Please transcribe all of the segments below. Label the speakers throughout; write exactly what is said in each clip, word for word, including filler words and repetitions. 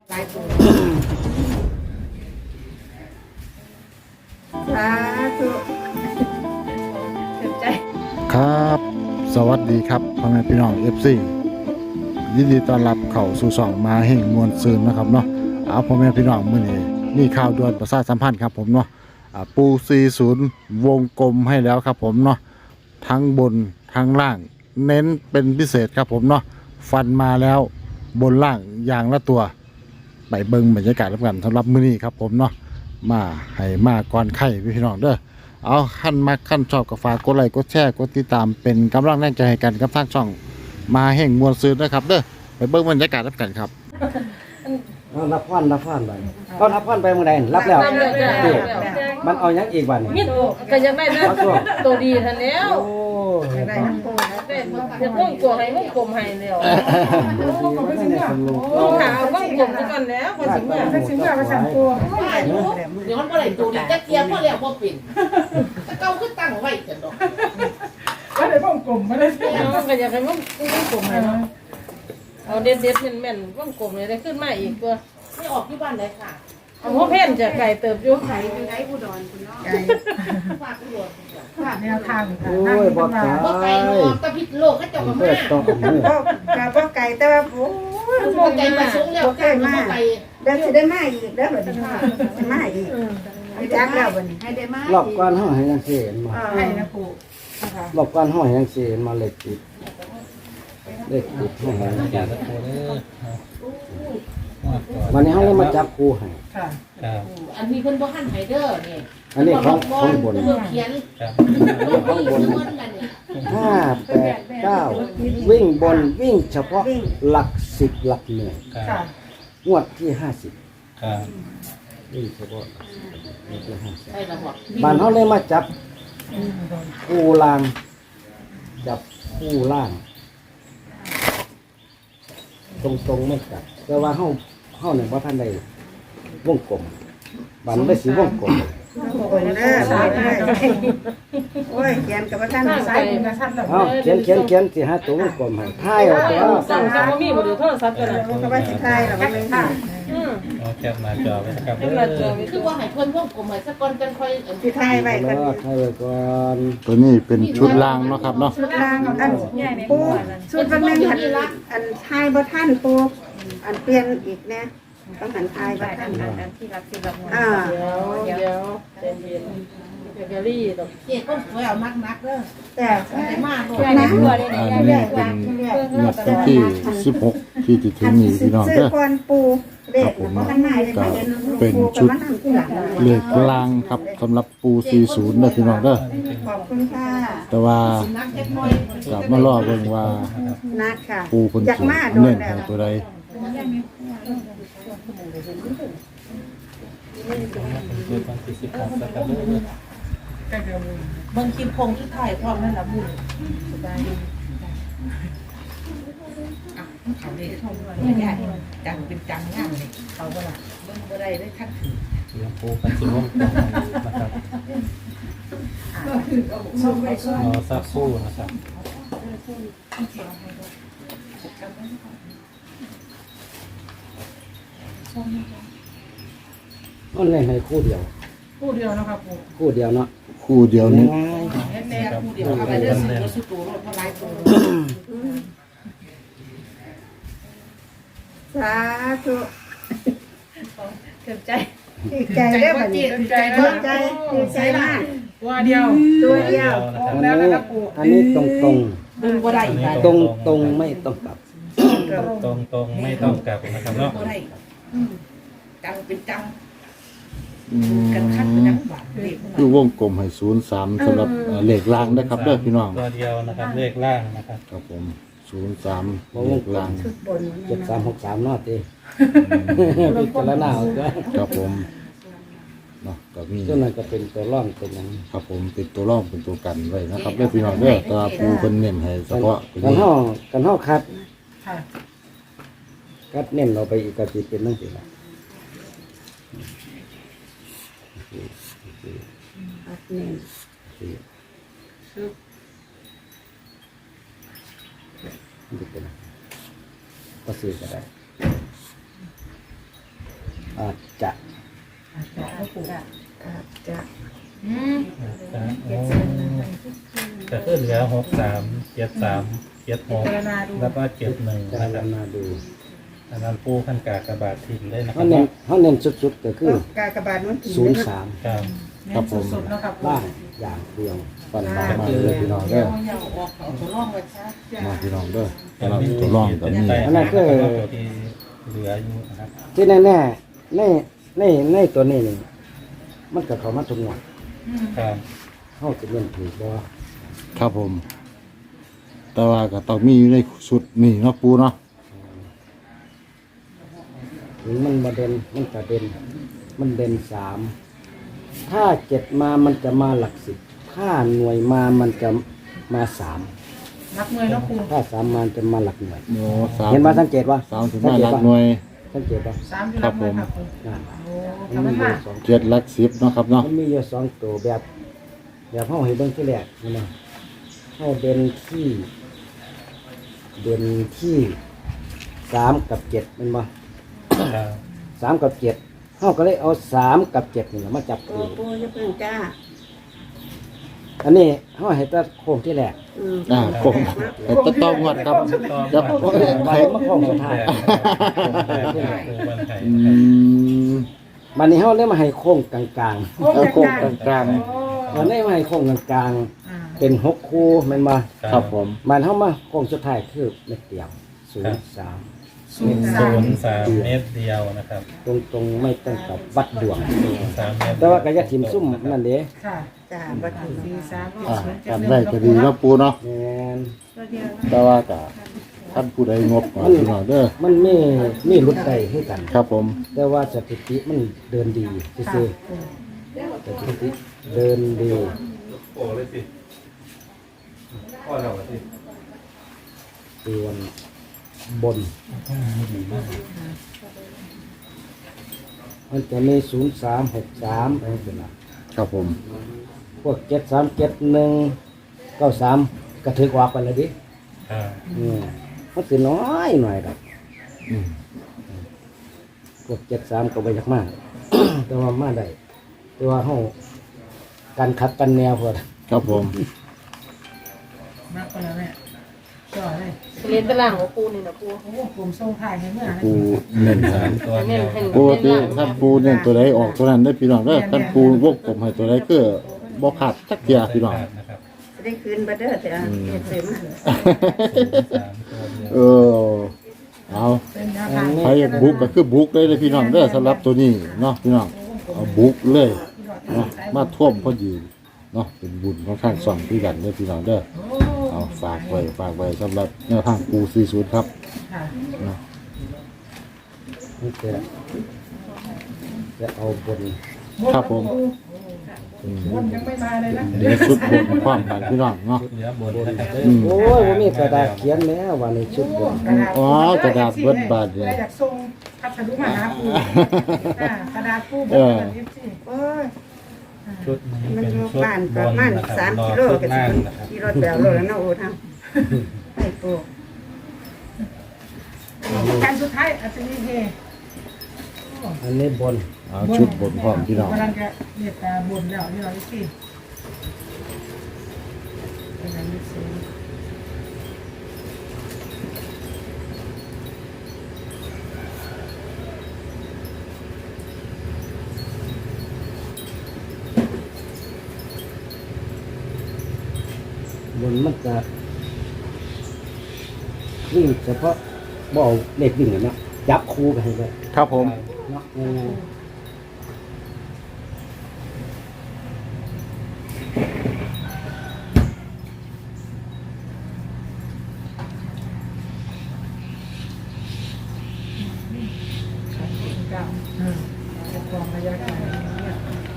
Speaker 1: หลายตัวสาธุเต็มใจ
Speaker 2: ครับสวัสดีครับพ่อแม่พี่น้อง เอฟ ซี ยินดีต้อนรับเข้าสู่ช่องมาแห่งมวลซืนนะครับเนาะเอาพ่อแม่พี่น้องมื้อนี้มีข่าวด่วนประชาสัมพันธ์ครับผมเนาะอ่าปูสี่สิบวงกลมให้แล้วครับผมเนาะทั้งบนทั้งล่างเน้นเป็นพิเศษครับผมเนาะฟันมาแล้วบนล่างอย่างละตัวไปเบิ่งบรรยากาศรับกันสำหรับมื้อนี้ครับผมเนาะมาให้มาก่อนไข่พี่น้องเด้อเอาขั้นมักขั้นชอบกับฝากกดไลค์กดแชร์กดติดตามเป็นกำลังแรงใจให้กันกับทางช่องมาแห่งมวลซืนนะครับเด้อไปเบิ่งบรรยากาศรับกันครับ
Speaker 3: รับพรรับพรไปก็รับพรไปเมื่อใดรับแล้วมันเอายังอีกวัน
Speaker 4: มิดก็ยังได้นะตัวดีทันแล้ว
Speaker 3: โอ้
Speaker 1: ได้น้ำปู
Speaker 4: ได้จะต้องกลัวให้มึงกลมให้แล้วถามว่ากลมกันแล้วคนสิงห์สักสิงห์มาสั่งตัว
Speaker 5: เดี๋ยวมันบ่ได้ตัวนี้จะเกียร์บ่แล้วบ่เป็นตะเก้าคือตั้งไว้จังดอก
Speaker 4: ก็ได้บ้องกลมไม่ได้ก็อยากให้มึงมึงกลมให้เนาะเอาเด็ดเด็ดแม่นๆบ้องกลมเลยได้ขึ้นมาอีกตัว
Speaker 5: ไม่ออกที่บ้านเลยค่ะ
Speaker 4: เอาหัวเพ่นจะไก่เติบอยู่
Speaker 1: ไก่เป็นไก่อุดรคุณน้องไก่
Speaker 5: ฝากอุดร
Speaker 1: ฝากแนวทางค่ะ
Speaker 3: โอ้ยบ่ตาย
Speaker 5: บ่ไกลนอกตะพิษโลกเขาเจ้าก็มา
Speaker 3: ต้องเอามือ
Speaker 1: ก็กะบ่ไก่แต่ว่าโอ้ย
Speaker 5: บ่ไกลมาสูงแล้ว
Speaker 1: บ่ไก่มากเดี๋ยวสิได้มาอีกเด้อบัดนี้มาอีกให้จักแล้วบัดนี้ให้ได้มาร
Speaker 3: อบก้อนห้องให้ยังเสียนมา
Speaker 1: ให้นะปู่
Speaker 3: รอบก้อนห้องให้ยังเสียนมาเล็กติดเล็กติดห้องให้ยังเสียนวันนี้เขาเลยมาจับครูให้
Speaker 5: อันนี้เพิ่นบ่ทันให้เด้อนี่
Speaker 3: อันนี้ของของบน
Speaker 5: เขียน
Speaker 3: ของบนห้าแปดเก้าวิ่งบนวิ่งเฉพาะหลักสิบหลักหน่วยงวดที่ห้าสิบวิ่งเฉพาะงวดที่ห้าสิบ
Speaker 5: ใช่ละบ่
Speaker 3: บ้านเขาเลยมาจับคู่ล่างจับคู่ล่าง ตรงตรงไม่จับแต่ว่าเขาเขาเนี่ยว่าท่านใดวงกลมบ้านไม่สีวงกลม
Speaker 1: คนเด้อสายเด้อโอ้ยเขียนกับท่านสายกับท่าน
Speaker 3: เอาเขียนเขียนเขียนสิหาตัววงกลมให้ท้ายเอาตัว
Speaker 4: สั่งจะบ่มีบ่ได้โทรศัพท์กันน่ะ
Speaker 1: ก็ว่าสิทายล่ะมันค่ะ
Speaker 4: อือ
Speaker 6: เอาแคปหน้าจอไว้นะครับ
Speaker 4: เวลาเจอ
Speaker 5: คือว่าให้เพิ่นวงกลมให้สักก่อนจังค่อย
Speaker 1: สิทายไว้
Speaker 3: แล้
Speaker 1: เพิ่น
Speaker 3: วท้ายไว้ก่อน
Speaker 2: ตัวนี้เป็นชุดล่างเนาะครับเนาะ
Speaker 1: ชุดล่างอันปูชุดวันนึงหันอันทายบ่ทันปูอันเปลี่ยนอีกแน่ต้องหันทายบ่ทัน
Speaker 4: ที่รักที่รัก
Speaker 1: อ่า
Speaker 4: เดี๋ยวเดี๋ยวเย็นเย็นเกลลี่ดอก
Speaker 5: เจ็ดคนสวยเอานักๆเด้อ
Speaker 1: แต่
Speaker 5: ได้มาโลด
Speaker 2: อันนี้เป็นงวดวันที่สิบหกที่จะถึงนี้พี่น้อง
Speaker 1: ซื้อ
Speaker 2: เด้อ
Speaker 1: ก่อนปูเด็กบ่ทันได้เลย
Speaker 2: ก็
Speaker 1: มาเห็น
Speaker 2: เป็นชุดเลขกลางครับสำหรับปูสี่สิบเด้อพี่น้องเด้อ
Speaker 1: ขอบคุณค่ะ
Speaker 2: แต่ว่า
Speaker 5: นักเล็กน้อย
Speaker 2: กลับมารอเบิ่งว่า
Speaker 1: นัดค่ะ
Speaker 2: ปูคน
Speaker 1: อยาก
Speaker 2: สิ
Speaker 1: มาโด
Speaker 2: เน้
Speaker 1: น
Speaker 2: น
Speaker 1: แล้ว
Speaker 2: ให้ตัวใด
Speaker 6: เดือนวันที่สิบหกนะครับ
Speaker 5: บางทีคงที่ถ่ายพร้อมนั่นล่ะบุญสบายดีอ่ะเขาเลยทงไม่ได้จังเป็นจังงามเลยเขาบ่ล่ะเบิ่งบ่ได้เลยคันถือ
Speaker 6: เสียงปูกันสิวงกลมนะครับรอสักครู่นะครับ
Speaker 3: มันเล่นให้คู่เดียว
Speaker 4: คู่เดียวนะครับปู่
Speaker 3: คู่เดียวเนาะ
Speaker 2: คู่เดียวนี้
Speaker 3: ง่าย
Speaker 5: แม่ๆผู้เดียวเอาไปเด้อสิบ่สิตัวรถเท่าหลายตัว
Speaker 1: สาธุ
Speaker 4: เต็มใจ
Speaker 1: ดีใจเด้อบัดนี้ดีใจดีใจดีใจมาก
Speaker 4: ตัวเดียว
Speaker 1: ตัวเดียว
Speaker 3: อันนี้อันนี้ตรงตรง
Speaker 5: ดึงบ่ได้อีก
Speaker 3: ตรงตรงไม่ต้องกลับ
Speaker 6: ตรงตรงไม่ต้องกลับนะครับเนาะ
Speaker 5: บ่ได้อืมจังเป็นจัง
Speaker 2: อืม
Speaker 5: กันคักเป็นจังหวะเด็ก
Speaker 2: คือวงกลมให้ศูนย์สามสำหรับเอ่อเลขล่างนะครับเด้อพี่น้อง
Speaker 6: ตัวเดียวนะครับเลขล่างนะครับ
Speaker 2: ครับผมศูนย์สามเลขล่าง
Speaker 1: ชุดบน
Speaker 3: เจ็ดสามหกสามนอดตีพิจารณาเอาจ้ะ
Speaker 2: ครับผมเนาะก็มี
Speaker 3: ส่วนนั้นก็เป็นตัวร่องเป็นอย่าง
Speaker 2: ครับผมเป็นตัวร่องเป็นตัวกันไว้นะครับเด้อพี่น้องเด้อแตว่าปูเพิ่นเน้นให้เฉพาะตัว
Speaker 3: กัน
Speaker 2: นี้
Speaker 3: ห่อกันห่อคัด
Speaker 4: ค่ะ
Speaker 3: คัดเน้นเราไปอีกกะจิเป็นนั่นสิละ
Speaker 1: อัดเน้น
Speaker 3: นี่เป็นก็ซื้อก็ได้อาจจะ
Speaker 5: อาจจะเอาปู่
Speaker 1: อาจจะ
Speaker 5: อืม
Speaker 6: จะโอ้จะขึ้นเหลือหกสามเจ็ดสามเจ็ดหก
Speaker 5: เจรนาดู
Speaker 6: แล้วก็เจ็ดหนึ่ง
Speaker 3: จะ
Speaker 6: นะครับ
Speaker 3: มาดู
Speaker 6: อันนั้นปูขั้นกากระบาดทิ้งเลยนะค
Speaker 3: เขา
Speaker 6: รับ
Speaker 3: เน้นเขาเน้นสุดๆก็คือ
Speaker 1: กากบาทมันกิน
Speaker 3: ศูนย์สาม
Speaker 6: ครับ
Speaker 5: เน้นสุดๆเนาะครับ
Speaker 3: ล่างอย่างเดียวฟันมามาเลยพี่น้อง
Speaker 5: เดี๋
Speaker 3: เด้
Speaker 5: ย
Speaker 3: อ
Speaker 5: วอย่าออกเอาตัวร่องไว้ซะ
Speaker 2: มาพี่น้องเด้อสำหรับตัวร่องกับนี่
Speaker 3: อันนั้นคือ
Speaker 6: ตัวที่เหลืออยู่นะครับ
Speaker 3: ที่แน่ๆในในในตัวนี้นี่มันก็เข้ามาทุกงวด
Speaker 5: อืม
Speaker 6: ครับ
Speaker 3: เฮาจะเล่นถูกบ่
Speaker 2: ครับผม แต่ว่าก็ต้องมีอยู่ในสุดนี่เนาะปูเนาะ
Speaker 3: ถึงมันบ่เด่นมันก็เด่นมันเด่นสามถ้าเจ็ดมามันจะมาหลักสิบถ้าหน่วยมามันจะมาสาม
Speaker 5: นักมวยเนาะปู่
Speaker 3: ถ้าสามมาจะมาหลักหน่วย
Speaker 2: โอ้สาม
Speaker 3: เห็นว่าสังเกตว่า
Speaker 2: สามถึงมาหลักหน่วย
Speaker 3: สังเกตว่า
Speaker 5: สามที่นักมวยครับปู่
Speaker 3: นั่น
Speaker 5: โอ้
Speaker 3: มัน
Speaker 5: ทำ
Speaker 3: มี
Speaker 5: มัน
Speaker 3: อยู่
Speaker 5: มา
Speaker 3: สอง
Speaker 2: เจ็ดหลักสิบเนาะครับเนาะ
Speaker 3: มันมีอยู่สองตัวแบบแบบเฮาให้เบิ่งที่แรกนี่นะเฮาเด่นที่ เด่นที่สามกับเจ็ดแมันบ่
Speaker 6: ครับ
Speaker 3: สามกับเจ็ดเฮาก็เลยเอาสามกับเจ็ดนี่ล่ะมาจับ
Speaker 1: โอ้
Speaker 3: คู่
Speaker 1: ปูจะเพิ่งจ้า
Speaker 3: อันนี้เฮาให้ตัดโค้งที่แรก
Speaker 1: อืม
Speaker 2: อ่าผมแต่ต้องต้องงวดครับจะ
Speaker 3: โค้งไปมาโค้งสุดท้าย
Speaker 6: ปูวันไทย
Speaker 2: อืม
Speaker 3: บัดนี้เฮาเลยมาให้โค้งกลาง
Speaker 2: เอาโค้งกลาง
Speaker 3: ๆวันนี้มาให้โค้งกลาง
Speaker 5: อ่า
Speaker 3: ๆเป็นหกคู่แม่นบ่
Speaker 2: ๆครับผม
Speaker 3: มันเฮามาโค้งสุดท้ายคือเม็ดเดียวศูนย์สาม
Speaker 5: ศูนย์สา
Speaker 6: ศู
Speaker 5: ม
Speaker 6: นย์สามเมตรเดียวนะครับ
Speaker 3: ตรงๆไม่ต้องกับวัดดวง
Speaker 6: ศูนย์สามเมตร
Speaker 3: แต่ว่าก็อย่าถิ่มซุ่มนั่นเด้
Speaker 5: ค่ะ
Speaker 1: จ้าบัดนี้
Speaker 5: สี่สาม
Speaker 2: อ่า
Speaker 5: ศูนย์เจ็ด
Speaker 2: กัน
Speaker 5: หนึ่ง
Speaker 2: ได้ก็ดีเนาะปูเนาะ
Speaker 3: แม่น
Speaker 5: ตัวเดียว
Speaker 2: แต่ว่าก็ท่านผู้ใดงบก่อนพี่น้องเด้อ
Speaker 3: มันมีมีรุดใดให้กัน
Speaker 2: ครับผม
Speaker 3: แต่ว่าสถิติมันเดินดีซื่อๆสถิติเดินดีส่วนบน มันจะมีศูนย์สามหกสามอะไรเป็นล่ะ
Speaker 2: ครับผม
Speaker 3: พวกเจ็ดสามเจ็ดหนึ่งเก้าสามกระถือกว่าไปเลยดิ
Speaker 6: ครับ
Speaker 3: อืมมันสิน้อยหน่อยดอก
Speaker 2: อืม
Speaker 3: พวกเจ็ดสามก็ไปยากมาก แต่ว่ามาได้แต่ว่าเฮาการขับกันแนวพอด
Speaker 2: ครับผม
Speaker 5: มากกว่าแล้วเนี่ยจ่อเลย
Speaker 4: เรียนตารางของปูนี่นะปู
Speaker 5: โอ้ผมส่งถ่ายให้เมื่อนะ
Speaker 2: ปูเน้นหา
Speaker 6: ตัวเดียว
Speaker 2: ปูที่ท่านปูเน้นตัวใดออกตัวนั้นได้อพี่น้องเด้อท่านปูวงกลมให้ตัวใดคือบ่ขาดจักเทียพี่น้อง
Speaker 6: นะครับ
Speaker 1: จะได้คืนบัดเด้อแต่เก็บเสร็จมา
Speaker 6: ศูนย์สามตัวเดียว
Speaker 2: เออเอา
Speaker 5: เป็นแนวทาง
Speaker 2: ใครอยากบุกก็คือบุกเลยเลยพี่น้องเด้อสำหรับตัวนี้เนาะพี่น้องเอาบุกเลยเนาะมาท่วมพอดีเนาะเป็นบุญค่อนข้างส่องพี่กันเด้อพี่น้องเด้อ
Speaker 5: โอ้
Speaker 2: เอาฝากไว้ฝากไว้สำหรับแนวทางปูสี่ศูนย์ครับ
Speaker 5: ค่ะ
Speaker 2: เนาะ
Speaker 3: นี่จะจะเอาบน
Speaker 2: ครับผมอืม
Speaker 5: บนยังไม่มาเลยนะ
Speaker 2: เดี๋ยวชุดบนความกันพี่น้องเนาะ
Speaker 6: เหลือบนนะครับ
Speaker 2: อืม
Speaker 3: โอ้ยว่ามีกระดาษเขียนแล้วว่าในชุดบน
Speaker 2: อ๋อกระดาษเบิดบาทเลย
Speaker 5: อยากส่งพัสดุมาหาปูอ่ากระดาษปูเบิดบาทยี่สิบ
Speaker 1: โอ้ย
Speaker 6: ชุดนี้
Speaker 1: มัน
Speaker 6: เป็น
Speaker 1: อยู่
Speaker 6: ชุด
Speaker 1: บ้าน
Speaker 6: บ
Speaker 1: ประ
Speaker 6: น
Speaker 1: มาณ
Speaker 6: นะครับ
Speaker 1: สาม
Speaker 6: รอ
Speaker 1: กิโล
Speaker 6: ชุด
Speaker 1: ก็สิ
Speaker 6: ล่าง
Speaker 1: เป็น
Speaker 6: นะครับ
Speaker 1: ขี่รถแบวโลแล้วเนาะโอ้ทำไปปู
Speaker 5: การสุดท้ายอาจจะมีเฮ
Speaker 3: อันนี้บน
Speaker 2: เอาชุดบนพร้อมพี่น้อง
Speaker 5: กำลังจะเรียกตาบนแล้วนี่เราสิเป็นอันนี้สิ
Speaker 3: บนมันจะวิ่งเฉพาะบ่เอาเลขวิ่งเลยเนาะจับคู่ไปให้เลย
Speaker 2: ครับผม
Speaker 3: เนาะง่ายๆ
Speaker 5: เก้าอืมจะกรองระยะไกลเนี่ย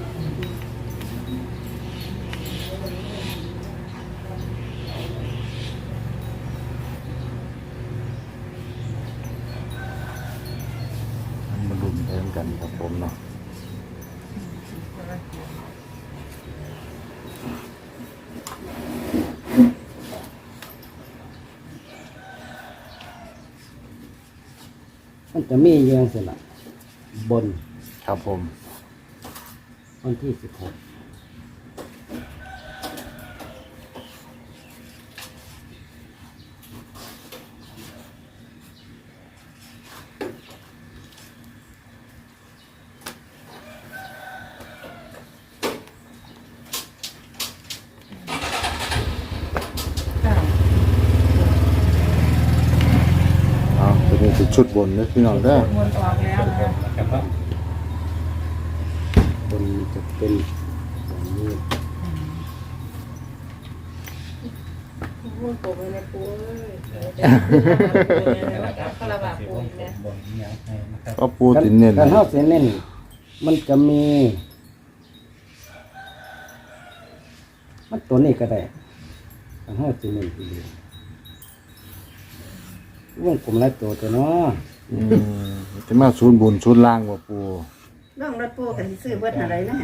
Speaker 2: มาลุ้นไปด้วยกันครับผมเนาะ
Speaker 3: มันจะมีเยื่องสละบน
Speaker 2: ครับผม
Speaker 3: วันที่สิบหก
Speaker 2: เอาตัวนี้คือชุดบนนะพี่น้องเด้อ
Speaker 5: วนออกแล้วนะ
Speaker 6: นะครับว่า
Speaker 3: บนจะเป็นอย่างนี้
Speaker 4: วงกลมเลยนะปูเอ้ยคาราบาปูอีกแล้ว
Speaker 6: บนนี้ให้นะครับ
Speaker 2: ก็ปูตินเน้น
Speaker 3: การเท้าเสียเน้นมันจะมี มันตัวนี้ก็ได้การเท้าเสียเน้นทีเดียววงกลมหลายตัวตัวเนาะ
Speaker 2: อืมจะมาศูนย์บนศูนย์ล่างว่าปู
Speaker 1: น้องรถปูกันสิซื้อเบิดอะไรนะ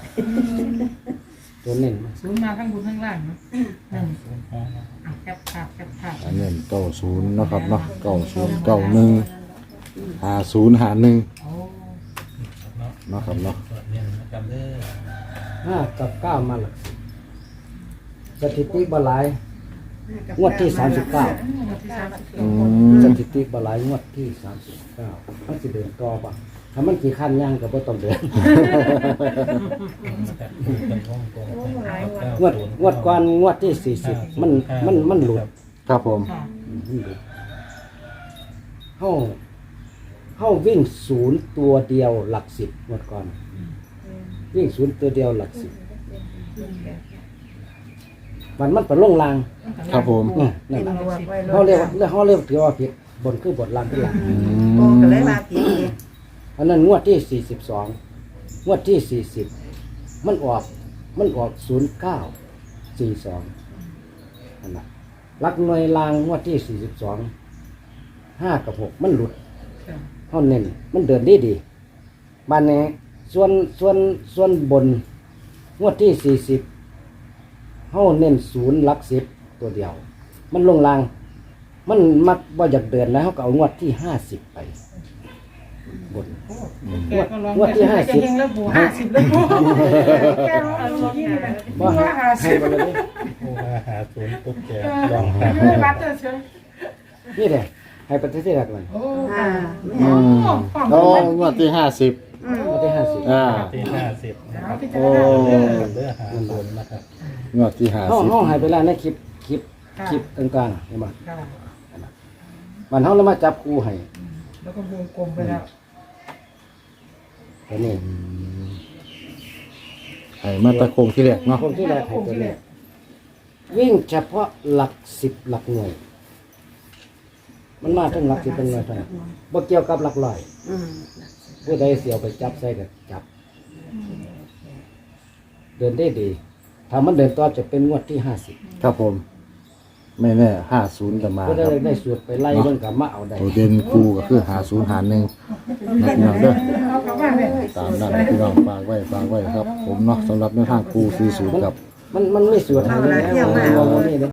Speaker 3: ตัวเน้น
Speaker 5: ศูนย์มาข้างบนข้างล่างเนาะนั่นอ่ะแคบภาพแคบภาพ
Speaker 2: อันเน้นเก้าศูนย์เนาะครับเนาะเก้าศูนย์เก้าหนึ่งห้าศูนย์ห้าหนึ่ง
Speaker 5: โอ้
Speaker 2: เนาะครับเนาะ
Speaker 6: ส่วนนี้นะครับเด้อ
Speaker 3: ห้ากับเก้ามาหลักสิบสถิติบหลายงวดที่สามสิบเก้า
Speaker 5: วันที่สามสิบ
Speaker 2: อื
Speaker 3: ส
Speaker 2: ม
Speaker 3: ถิติบหลายงวดที่สามสิบเก้ามันสิเดินต่อปะถ้ามันกี่ขั้นย่างก็บ่ต้องเดิน งวดงวดก่อนงวดที่สี่สิบมันมันมันหลุด
Speaker 2: ครับผม
Speaker 5: ค่ะ
Speaker 3: มันหลุดเข้าเข้าวิ่งศูนย์ตัวเดียวหลักสิบงวดก่อน วิ่งศูนย์ตัวเดียวหลักสิบมันมันเป็นลงลาง
Speaker 2: ครับผม
Speaker 3: อืมนั่น
Speaker 1: เป็น
Speaker 3: แหละ
Speaker 1: บวกไว้
Speaker 3: เขาเรียกว่าเขาเรียกถือว่าผิดบนคือบทลางขึ้นหลัง
Speaker 2: อื
Speaker 1: ปู
Speaker 2: ม
Speaker 1: ก็เลยว่าผิดอีก
Speaker 3: อันนั้นงวดที่สี่สิบสองงวดที่สี่สิบมันออกมันออกศูนย์เก้าสี่สองนั่นแหละลักหน่วยลางงวดที่สี่สิบสองห้ากับหกมันหลุด
Speaker 5: ค่ะ
Speaker 3: เขาเน้นมันเดินดีดีบ้านนี้ส่วนส่วนส่วนบนงวดที่สี่สิบเขาเน้นศูนย์หลักสิบตัวเดียว มันลงลาง มันมักว่าอยากเดินแล้วเขาก็เอางวดที่ห้าสิบไปบน
Speaker 5: แกก็ลอง
Speaker 3: งวดที่ห้าสิบ
Speaker 5: แกเฮงแล้วปูห้าสิบแล้วปูแกร้องลองยี่เลยปูว่าห้า
Speaker 3: ให้
Speaker 5: สิบ
Speaker 3: ไปเลย
Speaker 6: ผู้ว่าหาศูนย์ปุ๊บแกลองหา
Speaker 5: ไม่รัดเลยเชียว
Speaker 3: นี่เลยให้ไปที่แรกเลย
Speaker 5: โอ้
Speaker 1: อ่า
Speaker 2: อืมโอ้งวดที่ห้าสิบ
Speaker 1: อืม
Speaker 3: งวดที่ห้าสิบ
Speaker 2: อ่า
Speaker 6: ที่ห้าสิบนะครับ
Speaker 5: พิจา
Speaker 2: โอ้
Speaker 5: รณา
Speaker 6: เด้อหาศูนย์นะครับ
Speaker 2: งวดที่ห้า
Speaker 3: เขา
Speaker 2: สิบ
Speaker 3: เขาให้ไปแล้วในคลิปคลิปคลิปต่างๆเห็นไหม
Speaker 5: ค่ะ
Speaker 3: มันเขาแล้วมาจับคู่ให้
Speaker 5: แล้วก็วงกลมไปแล้ว
Speaker 3: ตัวนี้
Speaker 2: ให้มาตะโคงที่แรกเนาะ
Speaker 3: คนที่แรกให้ตัวนี้วิ่งเฉพาะหลักสิบหลักหน่วย มันมาทั้งหลักสิบเป็นหน่วยเท่านั้นบ่เกี่ยวกับหลักร้อย
Speaker 1: อืม
Speaker 3: ผู้ใดเสียวไปจับใส่ก็จับ เดินได้ดี ถ้ามันเดินต่อจะเป็นงวดที่ห้าสิบ
Speaker 2: ครับผม ไม่แน่ห้าศูนย์จะมา
Speaker 3: ผู้ใด
Speaker 2: ครับ
Speaker 3: ได้สูตรไปไล่เบิ่งกับมาเอาได้
Speaker 2: ตัวเด่นคู่ก็คือหาศูนย์หาหนึ่งนะพี่น้องเด้อ
Speaker 5: เอากลับบ้านเลย
Speaker 2: ตามนั้นนะพี่น้องฝากไว้ฝากไว้ครับ ผมเนาะสำหรับในทางคู่สี่ศูนย์ครับ
Speaker 3: มันมันไม่สูตรให้เลยนะมันมีเลย